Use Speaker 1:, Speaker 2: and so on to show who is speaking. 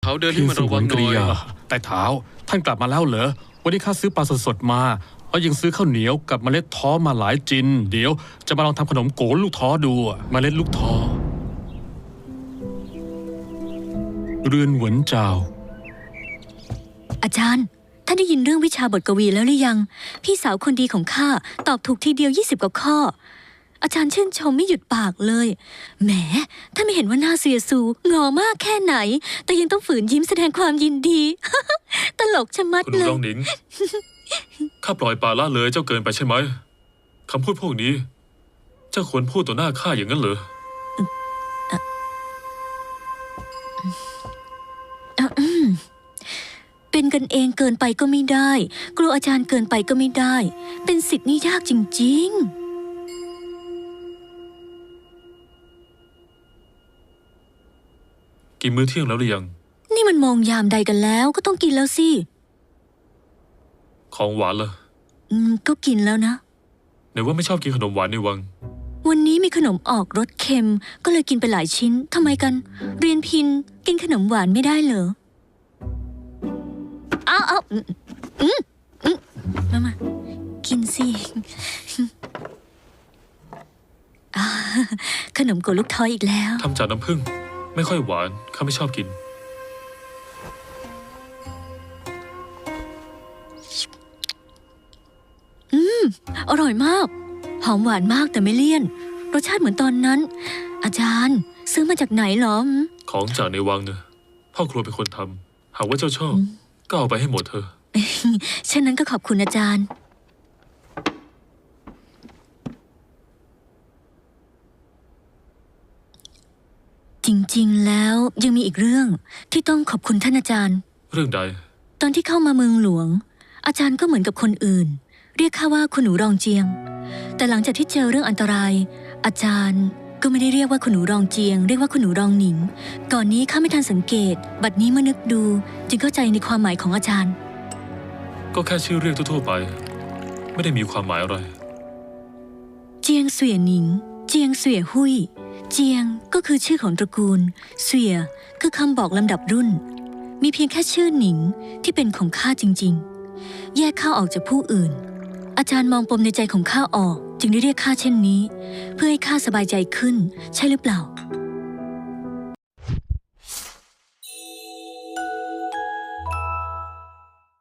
Speaker 1: เขาเดินให้มันระวังหน่อย
Speaker 2: แต่เท้าท่านกลับมาแล้วเหรอวันนี้ข้าซื้อปลาสดๆมาแล้วยังซื้อข้าวเหนียวกับเมล็ดท้อมาหลายจินเดี๋ยวจะมาลองทำขนมโกลูกท้อดูเมล็ดลูกท้อเรือนหวนเจ้า
Speaker 3: อาจารย์ท่านได้ยินเรื่องวิชาบทกวีแล้วหรือยังพี่สาวคนดีของข้าตอบถูกทีเดียว20 กว่าข้ออาจารย์ชื่นชมไม่หยุดปากเลยแหมท่านไม่เห็นว่าหน้าเสียสูงอมากแค่ไหนแต่ยังต้องฝืนยิ้มแสดงความยินดี ตลกชะมัดเลย
Speaker 4: คุณรองหนิง ข้าปล่อยปละละเลยเจ้าเกินไปใช่ไหมคำพูดพวกนี้เจ้าควรพูดต่อหน้าข้าอย่างนั้นเหรอ
Speaker 3: เป็นกันเองเกินไปก็ไม่ได้กลัวอาจารย์เกินไปก็ไม่ได้เป็นศิษย์นี่ยากจริงๆ
Speaker 4: กินมื้อเที่ยงแล้วหรือยัง
Speaker 3: นี่มันมองยามใดกันแล้วก็ต้องกินแล้วสิ
Speaker 4: ของหวานล่ะ
Speaker 3: ก็กินแล้วนะ
Speaker 4: ไหนว่าไม่ชอบกินขนมหวานในวัง
Speaker 3: วันนี้มีขนมออกรสเค็มก็เลยกินไปหลายชิ้นทำไมกันเรียนพินกินขนมหวานไม่ได้เหรอเอามากินสิขนมโกลูกท้ออีกแล้ว
Speaker 4: ทำจากน้ำผึ้งไม่ค่อยหวานข้าไม่ชอบกิน
Speaker 3: อร่อยมากหอมหวานมากแต่ไม่เลี่ยนรสชาติเหมือนตอนนั้นอาจารย์ซื้อมาจากไหนหรอ
Speaker 4: ของจากในวังเนอะพ่อครัวเป็นคนทำหากว่าเจ้าชอบก็เอาไปให้หมดเถอะ
Speaker 3: ฉะนั้นก็ขอบคุณอาจารย์จริงๆแล้วยังมีอีกเรื่องที่ต้องขอบคุณท่านอาจารย์
Speaker 4: เรื่องใด
Speaker 3: ตอนที่เข้ามาเมืองหลวงอาจารย์ก็เหมือนกับคนอื่นเรียกข้าว่าคุณหนูรองเจียงแต่หลังจากที่เจอเรื่องอันตรายอาจารย์ก็ไม่ได้เรียกว่าคุณหนูรองเจียงเรียกว่าคุณหนูรองหนิงก่อนนี้ข้าไม่ทันสังเกตบัดนี้เมื่อนึกดูจึงเข้าใจในความหมายของอาจารย์
Speaker 4: ก็แค่ชื่อเรียกทั่วๆไปไม่ได้มีความหมายอะไร
Speaker 3: เจียงเสวียหนิงเจียงเสวียหุยเจียงก็คือชื่อของตระกูลเสวียคือคำบอกลำดับรุ่นมีเพียงแค่ชื่อหนิงที่เป็นของข้าจริงๆแยกข้าออกจากผู้อื่นอาจารย์มองปมในใจของข้าออกจึงได้เรียกข้าเช่นนี้เพื่อให้ข้าสบายใจขึ้นใช่หรือเปล่า